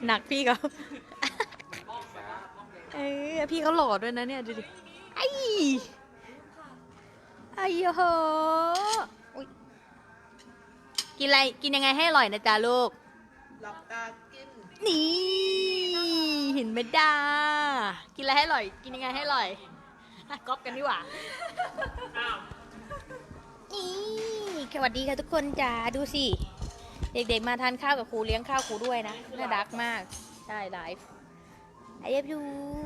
หนักพี่เขาพี่เขาหล่อด้วยนะเนี่ยดูดิไอ้ไอ้โหอุ๊ยกินอะไรกินยังไงให้อร่อยนะจ๊ะลูกหลับตากินนี่เห็นไหมด้ากินอะไรให้อร่อยกินยังไงให้อร่อยก๊อปกันดีกว่านี่สวัสดีค่ะทุกคนจ้าดูสิเด็กๆมาทานข้าวกับครูเลี้ยงข้าวครูด้วยนะน่ารักมากใช่ไลฟ์ไอเอฟยู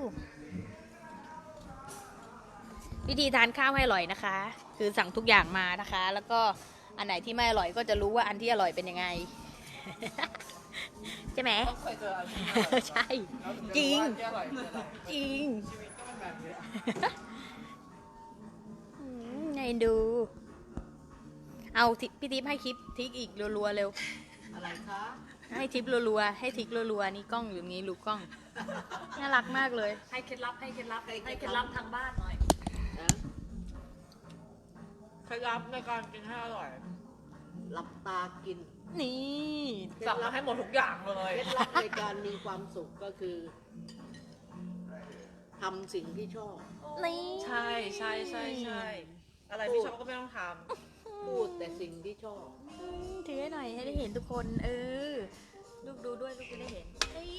วิธีทานข้าวให้อร่อยนะคะ คือสั่งทุกอย่างมานะคะ แล้วก็อันไหนที่ไม่อร่อยก็จะรู้ว่าอันที่อร่อยเป็นยังไง ใช่ไหมใช่จริงจริงไงดูเอาพี่ทิพย์ให้คลิปทิกอีกรัวๆเร็วอะไรคะให้ทิปรัวๆให้ทิกรัวๆนี่กล้องอยู่นี้ลูกกล้องน่ารักมากเลยให้เคล็ดลับให้เคล็ดลับให้เคล็ดลับทางบ้านหน่อยเคล็ดลับในการกินให้อร่อยหลับตากินนี่สั่งมาให้หมดทุกอย่างเลยเคล็ดลับในการมีความสุขก็คือทำสิ่งที่ชอบนี่ใช่ใช่ใช่ใช่อะไรที่ชอบก็ไม่ต้องทำพูดแต่สิ่งที่ชอบถือให้หน่อยให้ได้เห็นทุกคนลูกดูด้วยลูกจะได้เห็น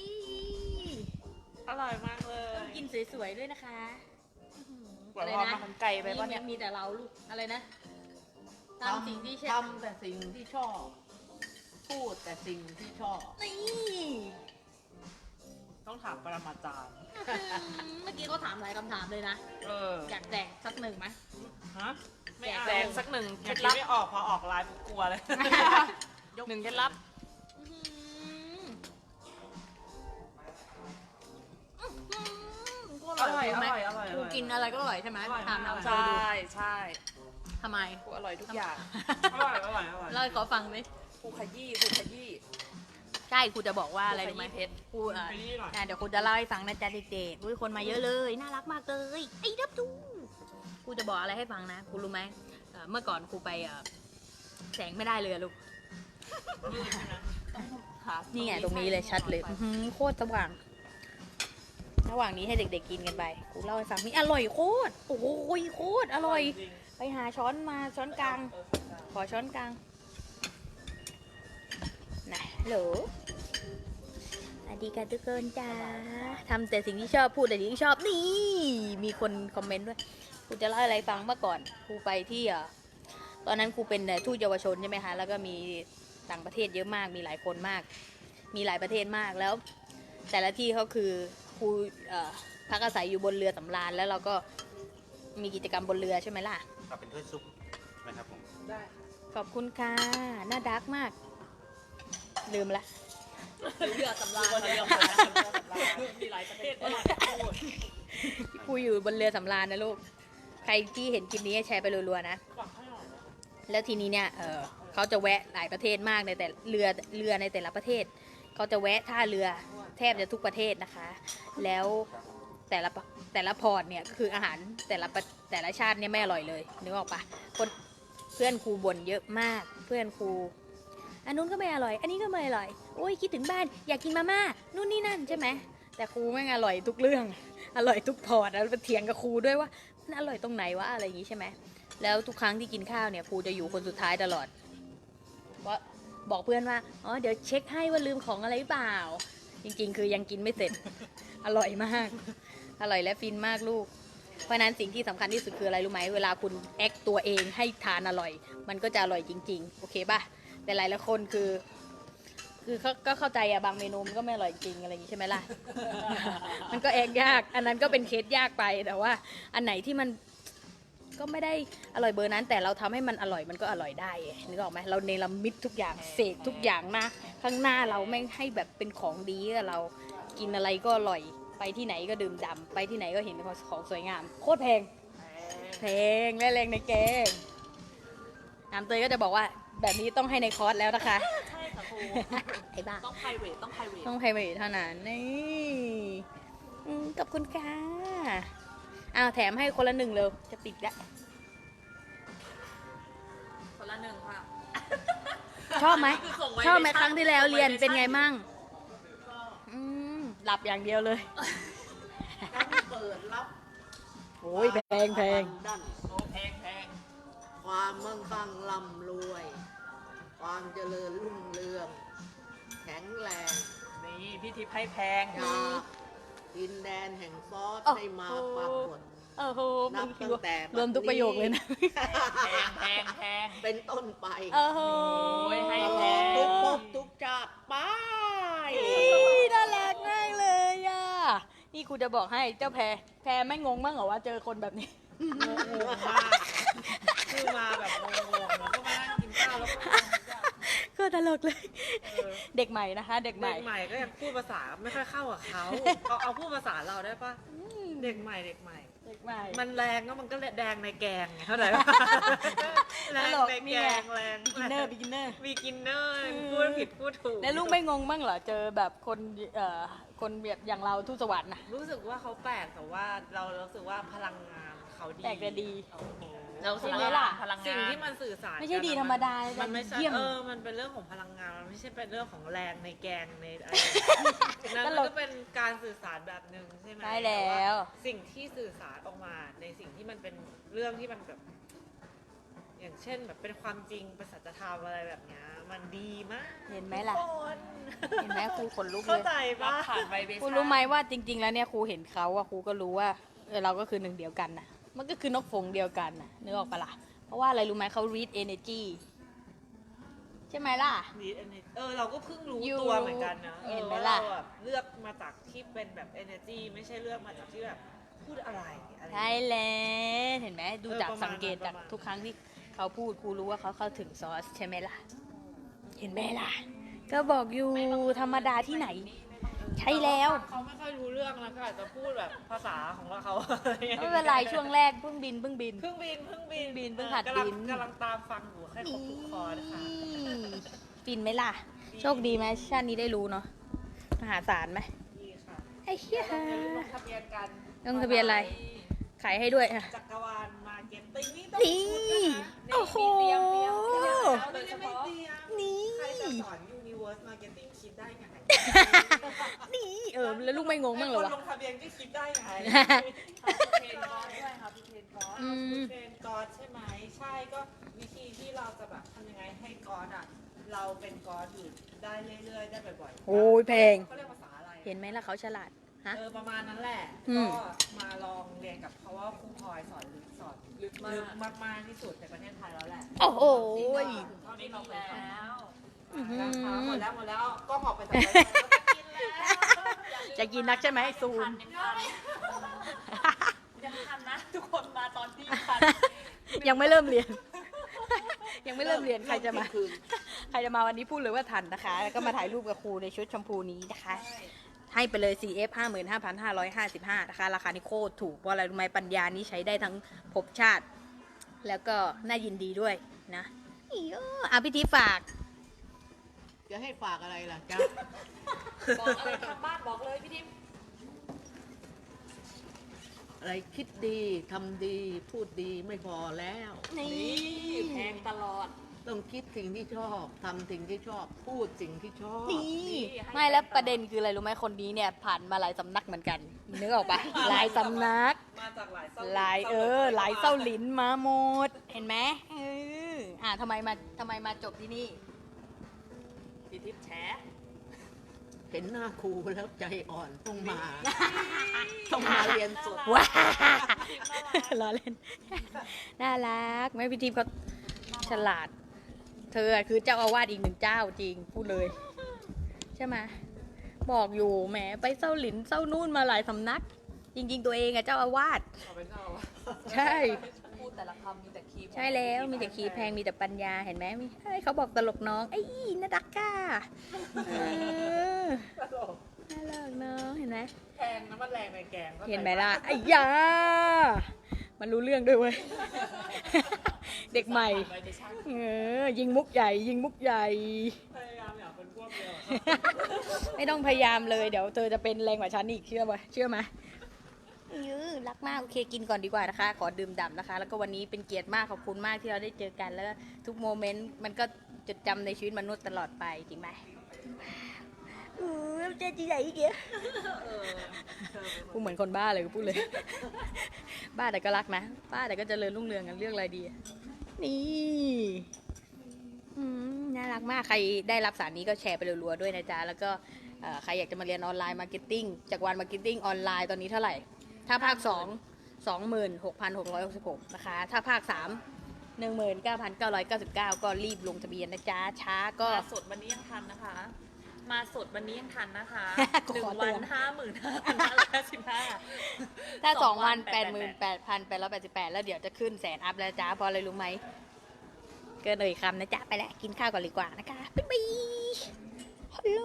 อร่อยมากเลยต้องกินสวยๆด้วยนะคะอะไรนะมาทำไก่ไปป่ะเนี่ยมีแต่เราลูกอะไรนะทำสิ่งที่ชอบทำแต่สิ่งที่ชอบพูดแต่สิ่งที่ชอบนี่ต้องถามปรมาจารย์เมื่อกี้เขาถามหลายคำถามเลยนะอยากแจกสักหนึ่งไหมฮะไม่แจกสักหนึ่งเคล็ดลับไม่ออกพอออกไลฟ์กลัวเลยหนึ่งเคล็ดลับอร่อยไหมกูกินอะไรก็อร่อยใช่ไหมถามเราใช่ใช่ทำไมกูอร่อยทุกอย่างอร่อยอร่อยอร่อยเล่าให้เขาฟังดิกูขยี้กูขยี้ใช่ครูจะบอกว่าอะไรรู้ไหมครูเดี๋ยวครูจะเล่าให้ฟังนะจ๊ะเด็กๆคนมาเยอะเลยน่ารักมากเลยไอ้ดับดูครูจะบอกอะไรให้ฟังนะครูรู้ไหมเมื่อก่อนครูไปแสงไม่ได้เลยลูกนี่ไงตรงนี้เลยชัดเลยโคตรสว่างระหว่างนี้ให้เด็กๆกินกันไปครูเล่าให้ฟังนี่อร่อยโคตรโอ้โหโคตรอร่อยไปหาช้อนมาช้อนกลางขอช้อนกลางนะฮัลโหลสวัสดีค่ะทุกคนจ้าทำแต่สิ่งที่ชอบพูดแต่สิ่งที่ชอบนี่มีคนคอมเมนต์ด้วยครูจะเล่าอะไรฟังเมื่อก่อนครูไปที่ตอนนั้นครูเป็นทูตเยาวชนใช่ไหมคะแล้วก็มีต่างประเทศเยอะมากมีหลายคนมากมีหลายประเทศมากแล้วแต่ละที่เขาคือครูพักอาศัยอยู่บนเรือสำราญแล้วเราก็มีกิจกรรมบนเรือใช่ไหมล่ะเป็นถ้วยซุปไหมครับผมได้ขอบคุณค่ะน่ารักมากลืมละเรือสำราญมีหลายประเทศครูอยู่บนเรือสำราญนะลูกใครที่เห็นคลิปนี้แชร์ไปรัวๆนะแล้วทีนี้เนี่ยเขาจะแวะหลายประเทศมากในแต่เรือในแต่ละประเทศเขาจะแวะท่าเรือแทบจะทุกประเทศนะคะแล้วแต่ละพอร์ตเนี่ยคืออาหารแต่ละชาติเนี่ยไม่อร่อยเลยนึกออกปะเพื่อนครูบ่นเยอะมากเพื่อนครูอันนู้นก็ไม่อร่อยอันนี้ก็ไม่อร่อยโอ้ยคิดถึงบ้านอยากกินมาม่านู่นนี่นั่นใช่ไหมแต่ครูแม่งอร่อยทุกเรื่องอร่อยทุกพอร์ตแล้วไปเถียงกับครูด้วยว่ามันอร่อยตรงไหนวะอะไรอย่างงี้ใช่ไหมแล้วทุกครั้งที่กินข้าวเนี่ยครูจะอยู่คนสุดท้ายตลอดเพราะบอกเพื่อนว่าอ๋อเดี๋ยวเช็คให้ว่าลืมของอะไรหรือเปล่าจริงๆคือยังกินไม่เสร็จอร่อยมากอร่อยและฟินมากลูกเพราะนั้นสิ่งที่สำคัญที่สุดคืออะไรรู้ไหมเวลาคุณแอคตัวเองให้ทานอร่อยมันก็จะอร่อยจริงๆโอเคป่ะแต่หลายคนคือเขาก็เข้าใจอะบางเมนูมันก็ไม่อร่อยจริงอะไรอย่างนี้ใช่ไหมล่ะ มันก็แอกยากอันนั้นก็เป็นเคสยากไปแต่ว่าอันไหนที่มันก็ไม่ได้อร่อยเบอร์นั้นแต่เราทำให้มันอร่อยมันก็อร่อยได้นึกออกไหมเราเนรมิตทุกอย่างเสกทุกอย่างนะข้างหน้าเราไม่ให้แบบเป็นของดีเรากินอะไรก็อร่อยไปที่ไหนก็ดื่มด่ำไปที่ไหนก็เห็นของสวยงามโคตรแพงและแรงในแกงน้ำเตยก็จะบอกว่าแบบนี้ต้องให้ในคอร์สแล้วนะคะใช่ค่ะครูไอ้บ้าต้องไพรเวทต้องไพรเวทเท่านั้นนี่ขอบคุณค่ะอ้าวแถมให้คนละหนึ่งเลยจะปิดแล้วคนละหนึ่งค่ะชอบไหมครั้งที่แล้วเรียนเป็นไงมั่งหลับอย่างเดียวเลยต้องเปิดรับโอ้ยแพงแพงด้านโอ้แพงแพงความมั่งคั่งร่ำรวย ความเจริญรุ่งเรือง แข็งแรงนี่พี่ทิพย์ให้แพงจากดินแดนแห่งซอสให้มาปรากฏโอ้โหนับตั้งแต่รวมทุกประโยคเลยนะแพงแพงแพงเป็นต้นไปโอ้โหโอ้ยให้ตแพลอดงทุกภพทุกชาติไปน่ารักมากเลยอ่ะ นี่ครูจะบอกให้เจ้าแพรไม่งงบ้างเหรอว่าเจอคนแบบนี้งงมากคือมาแบบงงๆแล้วก็มานั่งกินข้าวแล้วก็ก็ตลกเลย เด็กใหม่นะคะ เด็กใหเด็ม่กใหม่ก็ยังพูดภาษาไม่ค่อยเข้ากับเขาเอาพูดภาษาเราได้ปะเด็กใหม่เด็กใหม่มันแรงก็มันก็แดงในแกงไงเข้าใจปะแรงในแกงแรงบิกินเนอร์บิกินเนอร์มีกินเนอร์พูดผิดพูดถูกแล้วลูกไม่งงบ้างเหรอ เจอแบบคนคนแบบอย่างเราทูตสวรรค์นะรู้สึกว่าเขาแปลกแต่ว่าเรารู้สึกว่าพลังงานเขาดีแปลกแต่ดีเรารู้สึกใช่ไหมว่าล่ะสิ่งที่มันสื่อสารไม่ใช่ดีธรรมดามันไม่ใช่เยี่ยมมันเป็นเรื่องของพลังงานมันไม่ใช่เป็นเรื่องของแรงในแกงในอะไรนั่นตมันลกก็เป็นการสื่อสารแบบหนึ่งใช่ไหมใช่แล้วต่าสิ่งที่สื่อสารออกมาในสิ่งที่มันเป็นเรื่องที่มันแบบ อย่างเช่นแบบเป็นความจริงเป็นสัจธรรมอะไรแบบเนี้ยมันดีมากเห็นไหมล่ะทุกคนเห็นไหมครูขนลุกเลเข้าย ใจปะครูรู้ไหมว่าจริง ๆ แล้วเนี่ยครูเห็นเขาอะครูก็รู้ว่าเราก็คือหนึ่งเดียวกันนะมันก็คือนกฝงเดียวกันนะนึกออกปะล่ะเพราะว่าอะไรรู้ไหมเขา read energy ใช่ไหมล่ะเราก็เพิ่งรู้อยู่ตัวเหมือนกันนะเห็นไหมว่าล่ะเราแบบเลือกมาจากที่เป็นแบบ energy ไม่ใช่เลือกมาจากที่แบบพูดอะไรอะไรใช่แล้วเห็นไหมดูจากประมาณสังเกตจากประมาณทุกครั้งที่เขาพูดครูรู้ว่าเขาเข้าถึงซอสใช่ไหมล่ะ เห็นไหมล่ะ ก็บอกอยู่ธรรมดาที่ไหน ใช่แล้วเขาไม่ค่อยรู้เรื่องแล้วก็อาจจะพูดแบบภาษาของเราเขาไม่เป็นไรช่วงแรกเพิ่งบินเพิ่งบินเพิ่งหัดบินกำลังตามฟังอยู่ให้ครบทุกคอนะคะฟินไหมล่ะ โชคดีไหมชาตินี้ได้รู้เนาะมหาศาลไหมดีค่ะไอ้เหี้ยอย่าลืมลงทะเบียนกันลงทะเบียนอะไร ขายให้ด้วยอะจักรวาลมาเก็ตติ้งนี่ต้องนี่พูดนะคะโอ้โหไม่ได้ไม่เตรียมนี่ใครจะสอน Universe Marketing คิดได้ไงนี่แล้วลูกไม่งงบ้างเหรอวะคนลงทะเบียนก็คิดได้ไงเทรนกอร์ด้วยค่ะพี่เทรนกอร์อืมเทรนกอร์ใช่ไหมใช่ก็วิธีที่เราจะแบบทำยังไงให้กอร์อ่ะเราเป็นกอร์อยู่ได้เรื่อยๆได้บ่อยๆโอ้ยแพงเขาเรียกภาษาอะไรเห็นไหมล่ะเขาฉลาด ฮะประมาณนั้นแหละอืมก็มาลองเรียนกับเขาว่าครูพลอยสอนลึกมากๆที่สุดในประเทศไทยแล้วแหละโอ้โหเท่านี้เราแล้วอื้อหือนะคะหมดแล้วก็ออกไปจากรายการแล้วจะกินนักใช่ไหมซูมยังทันนะ ทุกคนมาตอนที่ทันยังไม่เริ่มเรียน ยังไม่เริ่มเรียนใครจะมาคืนใครจะมาวันนี้พูดเลยว่าทันนะคะ แล้วก็มาถ่ายรูปกับครูในชุดชมพูนี้นะคะ ให้ไปเลย CF 55,555 นะคะ ราคานี้โคตรถูก เพราะอะไรรู้ไหมปัญญานี้ใช้ได้ทั้งภพชาติ แล้วก็น่ายินดีด้วยนะอีโอพิธีฝากจะให้ฝากอะไรล่ะจ๊ะบอกอะไรทางบ้านบอกเลยพี่ทิมอะไรคิดดีทำดีพูดดีไม่พอแล้วนี่แพงตลอดต้องคิดสิ่งที่ชอบทำสิ่งที่ชอบ พูดสิ่งที่ชอบนี่ไม่แล้วประเด็นคืออะไรรู้ไหมคนนี้เนี่ยผ่านมาหลายสำนักเหมือนกันนึกออกปะหลายสำนักมาจากหลายหลายหลายเส้าหลินมาหมด เห็นไหมทำไมมาจบที่นี่พี่ทิพย์แฉเห็นหน้าครูแล้วใจอ่อนต้องมา ต้องมาเรียนสดว้าล้อเล่น น่ารักแม่พี่ทิพย์เขาฉลาด เธอคือเจ้าอาวาสอีกหนึ่งเจ้าจริงพูดเลย ใช่ไหมบอกอยู่แหมไปเส้าหลินเส้านู่นมาหลายสำนัก จริง ๆ ตัวเองอะเจ้าอาวาสขอเป็นเจ้าใช่พูดแต่ละคำมีแต่คีย์ใช่แล้วมีแต่คีย์แพงมีแต่ปัญญาเห็นไหมเขาบอกตลกน้องไอ้อีน่ารักก้าน่ารักน้องเห็นไหมแพงนะมันแรงในแกงเห็นไหมล่ะไอ้ยามันรู้เรื่องด้วยเว้ย เด็กใหม่ ยิงมุกใหญ่ยิงมุกใหญ่พยายามอยากเป็นพวกเดียวไม่ต้องพยายามเลยเดี๋ยวเธอจะเป็นแรงกว่าฉันอีกเชื่อไหมรักมากโอเคกินก่อนดีกว่านะคะ ขอดื่มด่ำนะคะ แล้วก็วันนี้เป็นเกียรติมากขอบคุณมากที่เราได้เจอกันแล้วก็ทุกโมเมนต์มันก็จดจำในชีวิตมนุษย์ตลอดไปจริงไหมเจ๊จีใหญ่อีกเงี้ยเออเธอเป็นคนกูเหมือนคนบ้าเลยกูพูดเลย บ้าแต่ก็รักนะ บ้าแต่ก็เจริญรุ่งเรืองกันเรื่องอะไรดีอะนี่น่ารักมาก ใครได้รับสารนี้ก็แชร์ไปรัวๆด้วยนะจ๊ะ แล้วก็ใครอยากจะมาเรียนออนไลน์มาร์เก็ตติ้งจากวันมาร์เก็ตติ้งออนไลน์ตอนนี้เท่าไหร่ ถ้าภาค 2 26,666 นะคะ ถ้าภาค 3 19,999 ก็รีบลงทะเบียนนะจ๊ะ ช้าก็มาสดวันนี้ยังทันนะคะ มาสดวันนี้ยังทันนะคะขอหนึ่งเตืวัอน น 55,515 ถ้า 2 วัน 88,888 88,888 แล้วเดี๋ยวจะขึ้นแสนอัพแล้วจ้าเพราะอะไรรู้ไหม เกินเลยคำนะจ๊ะ ไปแล้ว กินข้าวก่อนดีกว่านะคะ บ๊ายบายฮัลโหล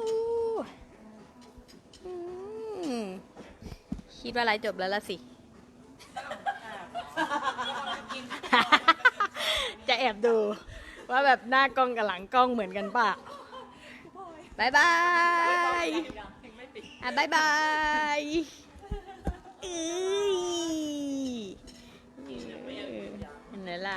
คิดว่าไลฟ์จบแล้วละสิ จะแอบดู ว่าแบบหน้ากล้องกับหลังกล้องเหมือนกันป่ะบายบายอ่ะบายบายเอ้ยเห็นไหมล่ะ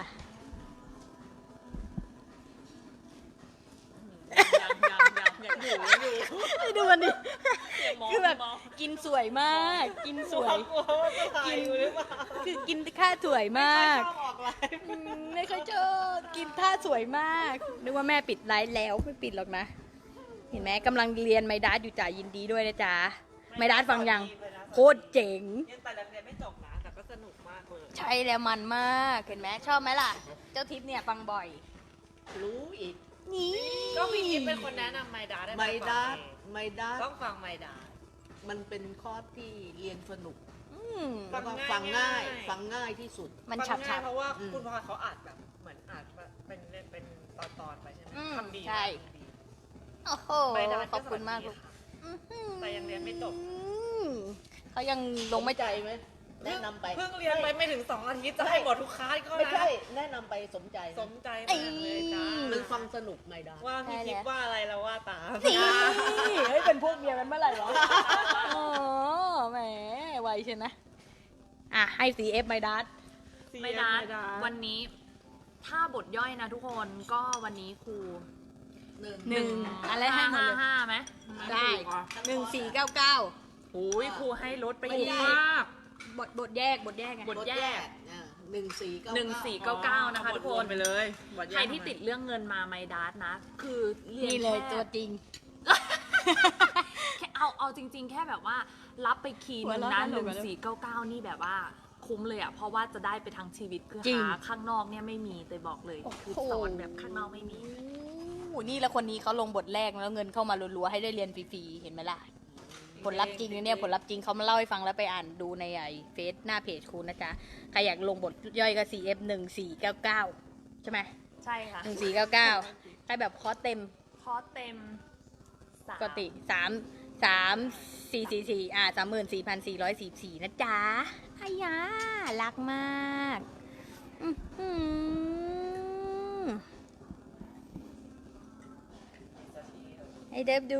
ดูมันดิ คือแบบกินสวยมาก กินสวย คือกินท่าสวยมากไม่ค่อยชอบกินท่าสวยมากนึกว่าแม่ปิดไลฟ์แล้วไม่ปิดหรอกนะ เห็นไหมกำลังเรียนไมดัสอยู่จ่ายินดีด้วยนะจ๊ะไมดัสฟังยังโคตรเจ๋งยังแต่เรียนไม่จบนะแต่ก็สนุกมากเลยใช่แล้วมันมากเห็นไหมชอบไหมล่ะ เจ้าทิพย์เนี่ยฟังบ่อยรู้อีกนี่ก็พี่ทิพย์เป็นคนแนะนำไมดาได้ไมดัสไมดัสต้องฟังไมดามันเป็นคอร์สที่เรียนสนุกอืมแล้วก็ฟัฟังงง่าง่าย ย ฟังง่ายที่สุดมันฟัฉับงฉัง่ายบเพราะว่าอืมคุณพลอยเขาอัดแบบเหมือนอัดแบบเป็นตอนๆไปใช่ไหมอืมทำดีใช่มากดีโอ้โหไมดาขอบคุณมากลูกแต่ยังเรียนไม่จบเขายังลงไม่ใจไหมแนะนำไปเพิ่งเรียนไปไม่ถึง2 อาทิตย์จะให้หมดทุกคลาสก็ไม่นะใช่แนะนำไปสมใจสมใจมากเลยจ้ามันฟังสนุกไมดัสว่าพี่ทิพย์ว่าอะไรแล้วว่าตามนี่เฮ้ยเป็นพวกเมียกันเมื่อไหร่วะอ๋อแหมไวใช่นะอ่ะให้ CF ไมดัสไม่ได้วันนี้ ถ้าบทย่อยนะทุกคนก็วันนี้ครูหนึ่งอะไรให้หมดเลย 555ไหมได้1499 โอ้ยครูให้ลดไปไม่เยได้อะมากบทแยกไงบทแยก 1499 นะคะทุกคนไปเลยใครที่ติดเรื่องเงินมาไมดัสนะ คือเรียนนี่เลยแค่ตัวจริงแค่เอาจริง ๆ แค่แบบว่ารับไปคีย์หนึงหัวนะเราะน่าหนุก 1499 นี่แบบว่าคุ้มเลยอ่ะ เพราะว่าจะได้ไปทั้งชีวิตคือจริงหาข้างนอกเนี่ยไม่มีแต่บอกเลย คือสอนแบบข้างนอกไม่มีโอ้นี่แล้วคนนี้เขาลงบทแรกแล้วเงินเข้ามารัวๆให้ได้เรียนฟรีๆเห็นไหมล่ะ ผลลัพธ์จริงนะเนี่ยผลลัพธ์จริงเขามาเล่าให้ฟังแล้วไปอ่านดูในไอเฟซหน้าเพจคุณนะจ๊ะใครอยากลงบทย่อยก็ CF 1499ใช่ไหมใช่ค่ะ 1499ใครแบบคอร์สเต็มคอร์สเต็มปกติ344434,444นะจ๊ะอายารักมากอื้อหือให้เดฟดู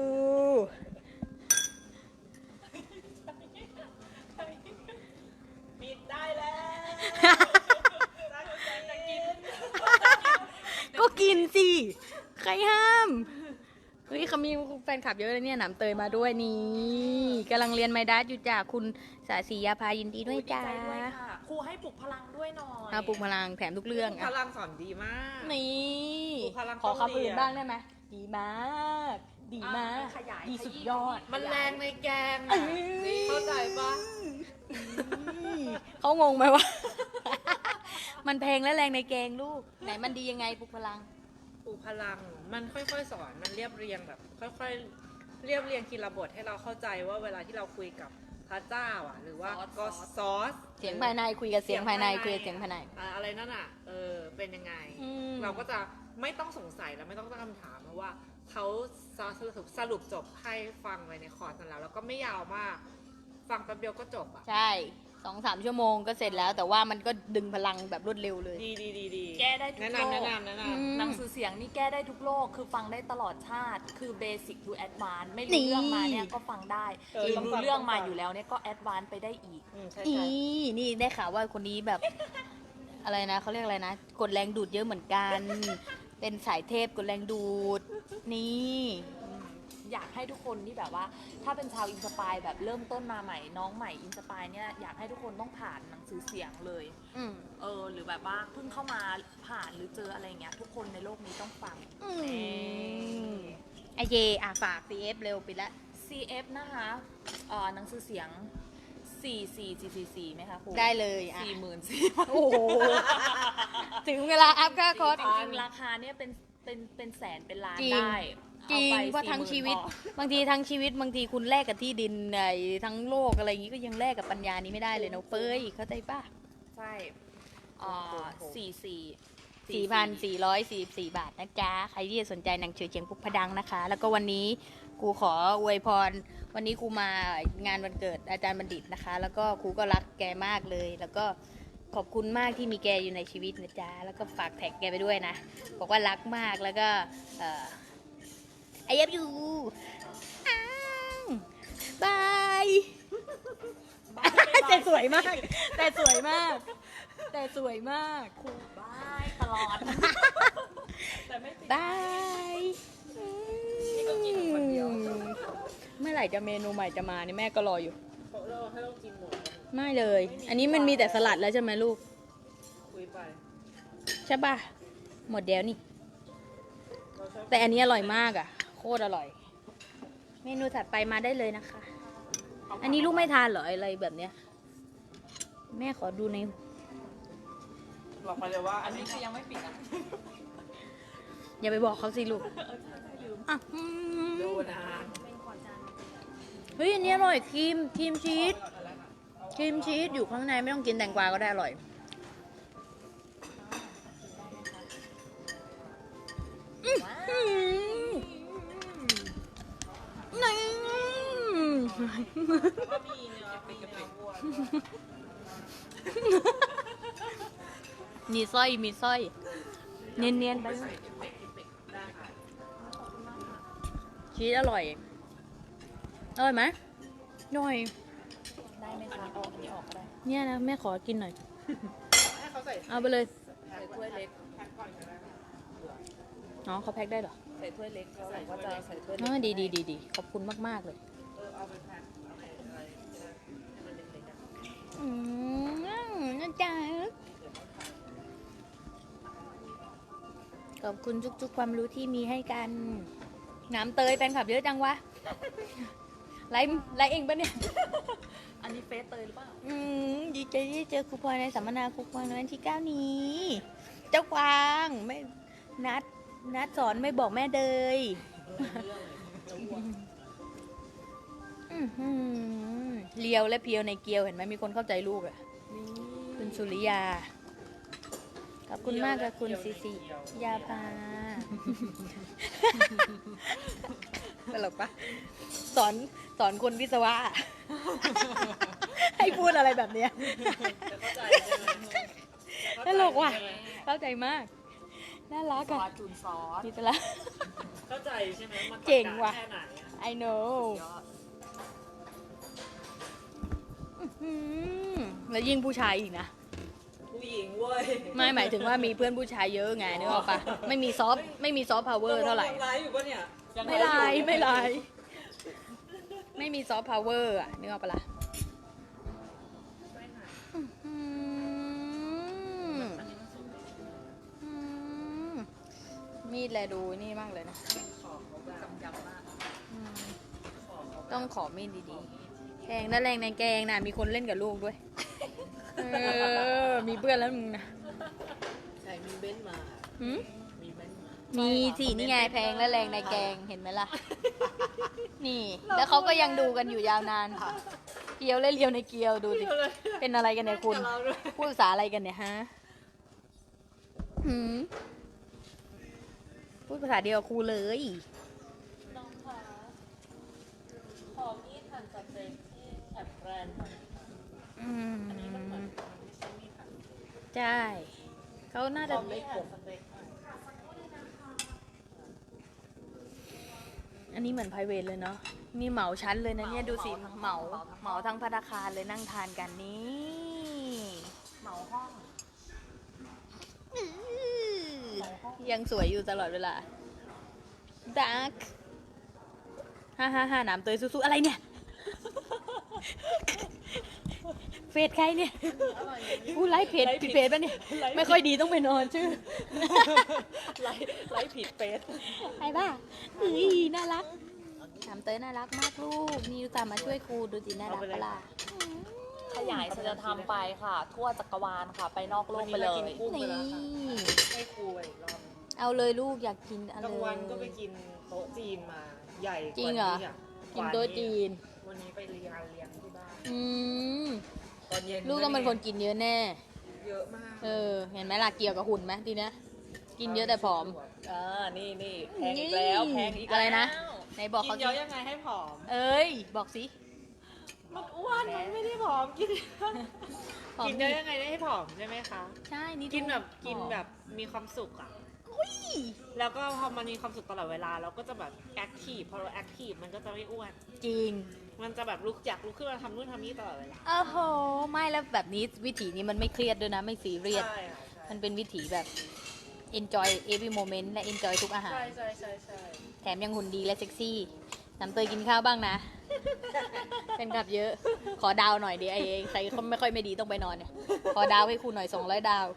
ปิดได้แล้วก็กินสิ ใครห้าม เฮ้ยเขามีแฟนคลับเยอะเลยเนี่ยหนำเตยมาด้วยนี่กำลังเรียนไมดัสอยู่จ้ะคุณสาสียาพายินดีด้วยดีจ้าใจด้วยค่ะ ครูให้ปลุกพลังด้วยหน่อยเอาปลุกพลังแถมทุกเรื่องพอ่ะลังสอนดีมากนี่ปลุกพลังขอต้องคำอื่นเรียนบ้างได้ไหมดีมาก ดีมากขยายดีสุดยอดมันแรงในแกงเอ้อะยเข้าใจปะเขางงไหมวะ มันแพงและแรงในแกงลูก ไหนมันดียังไงปลุกพลังปลูกพลังมันค่อยๆสอนมันเรียบเรียงแบบ ค่อยๆเรียบเรียงทีละบทให้เราเข้าใจว่าเวลาที่เราคุยกับพระเจ้าอ่ะ หรือว่าก็ซอสเสียงภายในคุยกับเสียงภายในคุยกับเสียงภายในอะไรนั่นอ่ะเป็นยังไงอืมเราก็จะไม่ต้องสงสัยและไม่ต้องตั้งคำถามเพราะว่าเขาสรุปจบให้ฟังไว้ในคอร์สนั้นแล้วก็ไม่ยาวมาก ฟังแป๊บเดียวก็จบอ่ะใช่2-3 ชั่วโมงก็เสร็จแล้ว แต่ว่ามันก็ดึงพลังแบบรวดเร็วเลยดีแก้ได้ทุกแนะโลนำกแนะนอืมหนังสือเสียงนี่แก้ได้ทุกโลก คือฟังได้ตลอดชาติ คือเบสิกทูแอดวานไม่รู้เรื่องมาเนี่ยก็ฟังได้หรือรู้เรื่องมาอยู่แล้วเนี่ยก็แอดวานไปได้อีกใช่อีใช่นี่ได้ข่าวว่าคนนี้แบบ อะไรนะเขาเรียกอะไรนะ กดแรงดูดเยอะเหมือนกัน เป็นสายเทพกดแรงดูด นี่อยากให้ทุกคนที่แบบว่า ถ้าเป็นชาวอินสปายแบบเริ่มต้นมาใหม่น้องใหม่อินสปายเนี่ยอยากให้ทุกคนต้องผ่านหนังสือเสียงเลยอืมหรือแบบว่าเพิ่งเข้ามาผ่านหรือเจออะไรเงี้ยทุกคนในโลกนี้ต้องฟังไอเยฝาก CF เร็วปิดละ CF นะคะหนังสือเสียง 44444ไหมคะครูได้เลยอ่ะ 44,000 โอ้โห ถึงเวลาอัพค่าคอร์สจริงๆราคาเนี่ยเป็นแสนเป็นล้านจริงได้จริงอไปว่าทั้ง 40,000 ชีวิตพอบางทีทั้งชีวิตบางทีคุณแลกกับที่ดินไอ้ทั้งโลกอะไรอย่างงี้ก็ยังแลกกับปัญญานี้ไม่ได้เลยนะเฟ้ยเข้าใจป่ะใช่ 4,444 บาทนะจ๊ะ ใครที่สนใจหนังสือเชียงพุกพดังนะคะ แล้วก็วันนี้ครูขออวยพร วันนี้ครูมางานวันเกิดอาจารย์บัณฑิตนะคะ แล้วก็ครูก็รักแกมากเลย แล้วก็ขอบคุณมากที่มีแกอยู่ในชีวิตนะจ๊ะ แล้วก็ฝากแท็กแกไปด้วยนะ บอกว่ารักมาก แล้วก็I love you บาย แต่สวยมาก แต่สวยมาก แต่สวยมากครูบายตลอด แต่ไม่ติดบายนี่ก็กินคนเดียวเมื่อไหร่จะเมนูใหม่จะมานี่แม่ก็รออยู่เราให้เรากินหมดไม่เลย อันนี้มันมีแต่สลัดแล้วใช่ไหมลูกคุยไปใช่ป่ะ หมดเดียวนี่เราชอบแต่อันนี้อร่อยมากอ่ะ โคตรอร่อย เมนูถัดไปมาได้เลยนะคะ อันนี้ลูกไม่ทานเหรออะไรแบบเนี้ย แม่ขอดูในบอกมาเลยว่าอันนี้คือยังไม่ปิดอ่ะอย่าไปบอกเขาสิลูกอ่ะดูนะเฮ้ยอันนี้อร่อยครีมชีสครีมชีสอยู่ข้างในไม่ต้องกินแตงกวาก็ได้อร่อยนี่ก็มีเนื้อปีกวัวมีสร้อยเนียนๆไปชีสอร่อยอร่อยไหมอร่อยได้ไหมคะเอาอันนี้ออกก็ได้เนี่ยนะแม่ขอกินหน่อยให้เขาใส่เอาไปเลยใส่ถ้วยเล็กแพ็คก่อนก็ได้อ๋อเขาแพ็คได้เหรอใส่ถ้วยเล็กแล้วเราก็จะใส่ถ้วยอ๋เล็อก ดีขอบคุณมากๆเลยเอาไปแพ็คอะไรให้มันเล็กๆอะนะจ๊ะขอบคุณทุกๆความรู้ที่มีให้กัน น้ำเตยแฟนคลับเยอะจังวะ ไลฟ์เองปะเนี่ยอันนี้เฟซเตยหรือเปล่าดีใจที่เจอครูพลอยในสัมมนาครูพลอยในวันที่ 9 นี้ เจ้ากวางไม่นัดสอนไม่บอกแม่เดยเลียวและเพียวในเกียวเห็นไหมมีคนเข้าใจลูกอ่ะคุณสุริยา ขอบคุณมากค่ะคุณซีซียาพาตลกปะสอนคนวิศวะ ให้พูดอะไรแบบเนี้ยจะเข้าใจใช่ไหมตลกว่ะ เข้าใจมาก น่ารักซออ่ะสจูนซอสมีตละเข้าใจใช่ไหมมันเก่งว่ะแค่ไหนอะ I know ยอดแล้วยิ่งผู้ชายอีกนะผู้หญิงเว้ยไม่หมายถึงว่ามีเพื่อนผู้ชายเยอะไงนึกออกปะไม่มีซอฟต์พาวเวอร์เท่าไหร่ไลฟ์อยู่ปะเนี่ยไม่ไลฟ์ไม่มีซอฟต์พาวเวอร์อะนึกออกปะล่ะมีดแลดูนี่มากเลยนะกำยำมากต้องขอมีดดีๆแกงนั่นแรงในแกงนะมีคนเล่นกับลูกด้วย มีเพื่อนแล้วมึงนะใช่มีเบนซ์มาหืมมีเบนซ์มามีสินี่ไงแพงและแรงในแกงเห็นไหมล่ะ นี่ แล้วเขาก็ยังดูกันอยู่ยาวนาน เกียวและเลียวในเกียวดูสิ เป็นอะไรกันเนี่ยคุณ พูดภาษาอะไรกันเนี่ยฮะหืมพูดภาษาเดียวกับครูเลยน้องคะขอมีดหั่นสเต็กที่แอบแบรนด์หน่อย อันนี้มันเหมือนไม่ใช่มีดหั่นใช่ เขาน่าขจะอมีดหั่นสเต็กหน่อยอันนี้เหมือน private เลยเนาะมีเหมาชั้นเลยนะเนี่ยดูสิเหมาทั้งภัตตาคารเลยนั่งทานกันนี่เหมาห้องยังสวยอยู่ตลอดเวลาดักฮ่าน้ำเตยสู้ๆอะไรเนี่ย เฟซใครเนี่ยอู้ไลฟ์เพจผิดเพจป่ะเนี่ย ไม่ค่อยดีต้องไปนอนชื่อไลฟ์ผิดเฟซไอ้บ้าเฮ้ยน่ารักน้ำเตยน่ารักมากลูกนี่อุตส่าห์มาช่วยครูดูสิน่ารักปะล่ะขยายฉันจะทำไปค่ะ ทั่วจักรวาลค่ะ ไปนอกโลกไปเลยกุ้งไปนี่แล้วค่ะให้ครูอีกรอบเอาเลยลูกอยากกินเอากลาเลงยวันก็ไปกินโต๊ะจีนมาใหญ่กจริว่างเหรอนี้อ่ะกินโต๊ะจีนวันนี้ไปเลี้ยงที่บ้านอืมตอนเย็นลูกต้องเป็นคนกินเยอะแน่เยอะมากเออ เห็นไหมล่ะเกี่ยวกับหุ่นไหมทีเนี้ยกินเยอะแต่ผอมนี่แพงอีกแล้วแพงอีกแล้วอะไรนะ ไหนบอกกิเขานสิเยอะยังไงให้ผอมเอ้ย บอกสิมันอ้วนมันไม่ได้ผอมกินผอมกินเยอะยังไงได้ให้ผอมใช่ไหมคะใช่นี่กินแบบผอมกินแบบมีความสุขอ่ะแล้วก็พอมันมีความสุขตลอดเวลาเราก็จะแบบแอคทีฟพอเราแอคทีฟมันก็จะไม่อ้วนจริงมันจะแบบอยากลุกขึ้นมาทำนู่นทำนี่ตลอดเวลาโอ้โห ไม่แล้วแบบนี้วิถีนี้มันไม่เครียดด้วยนะ ไม่ซีเรียสใช่ค่ะใช่มันเป็นวิถีแบบ enjoy every moment และ enjoy ทุกอาหารใช่แถมยังหุ่นดีและเซ็กซี่ น้ำเตยกินข้าวบ้างนะ เป็นกับเยอะ ขอดาวหน่อยดิไอ้ใครเขาไม่ค่อยไม่ดีต้องไปนอนเนี่ย ขอดาวให้ครูหน่อย200 ดาว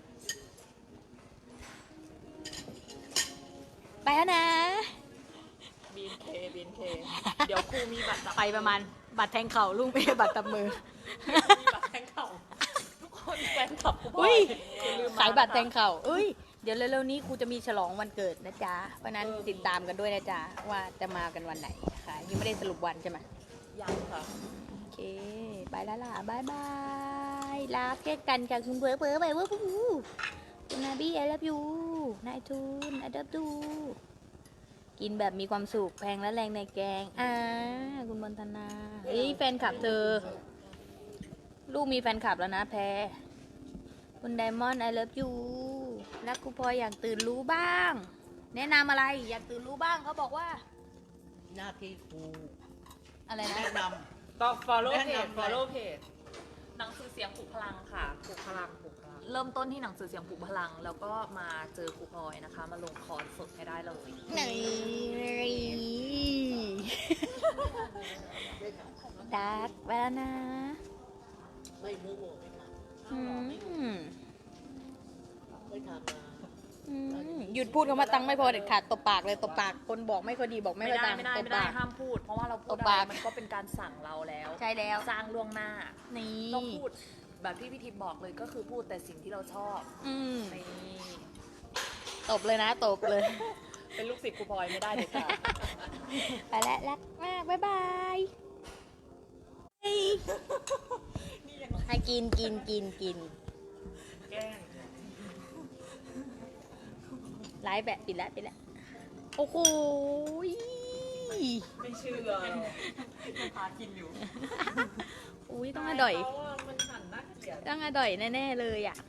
ไปแล้วนะบีนเคเดี๋ยวครูมีบัตรจับไปประมาณบัตรแทงเข่าลูกไม่ใช่บัตรตับมือมีบัตรแทงเข่าทุกคนแฟนคลับครูพลอุ้อยยอย่ลืมมขายบัตรแทงนะคะเข่าเอ้ย เดี๋ยวเร็วๆนี้ครูจะมีฉลองวันเกิดนะจ๊ะ เพราะนั้นติดตามกันด้วยนะจ๊ะ ว่าจะมากันวันไหนค่ะ ยังไม่ได้สรุปวันใช่ไหมยังค่ะโอเค ไปแล้วล่ะบายบายลาแค่กันค่ะคุณเผลอไปว่าคุณนาบี้ไอรับยูนายทูนไอรับดูกินแบบมีความสุขแพงและแรงในแกงคุณบนธนาเฮ้ยแฟนคลับเธอ ลูกมีแฟนคลับแล้วนะแพรคุณไดมอนด์ไอเลิฟยูรักกูพลอยอยากตื่นรู้บ้าง แนะนำอะไรอยากตื่นรู้บ้างเขาบอกว่าหน้าที่ครูอะไรนะแนะนต้อง follow แนะเพจนำ follow page หนังสือเสียงปลุกพลังค่ะปลุกพลังเริ่มต้นที่หนังสือเสียงปลุกพลัง แล้วก็มาเจอครูพลอยนะคะ มาลงคอร์สสดให้ได้เลยดักไปแล้วนะำไม่รู้ไม่ทอืมำไม่ทำมาหยุดพูดคำว่าตังค์ไม่พอเด็ดขาดตบปากเลยตบปากคนบอกไม่ค่อยดีบอกไม่ไม่ค่อยได้ตังค์ไม่ได้ตบไม่ได้ปากห้ามพูด เพราะว่าเราพูดตบอะไรปากมันก็เป็นการสั่งเราแล้วใช่แล้วสร้างล่วงหน้านี่ต้องพูดแบบที่พี่ทิพย์บอกเลยก็คือพูดแต่สิ่งที่เราชอบอืมนี่ตบเลยนะตบเลยเป็นลูกศิษย์ครูพลอยไม่ได้เลยค่ะไปแล้วรักมากบ๊ายบายให้กินแกล้งไลฟ์แบบปิดแล้วโอ้โหไม่เชื่อพากินอยู่อุ้ยต้องอร่อยเพราะว่ามันหั่นน่าเกลียดต้องอร่อยแน่ๆเลยอ่ะ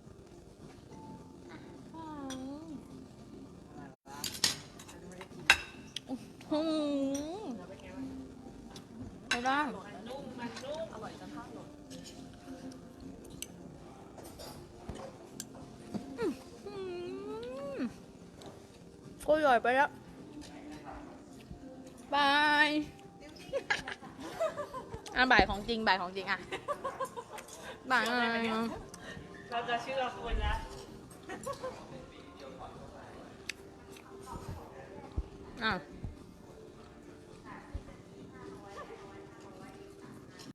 อืมไม่ได้มันนุ่มอร่อยจนข้าวหล่นก็อร่อยไปแล้วบายบ่ายของจริงอ่ะบ่ายเราจะเชื่อคนแล้วอ่ะ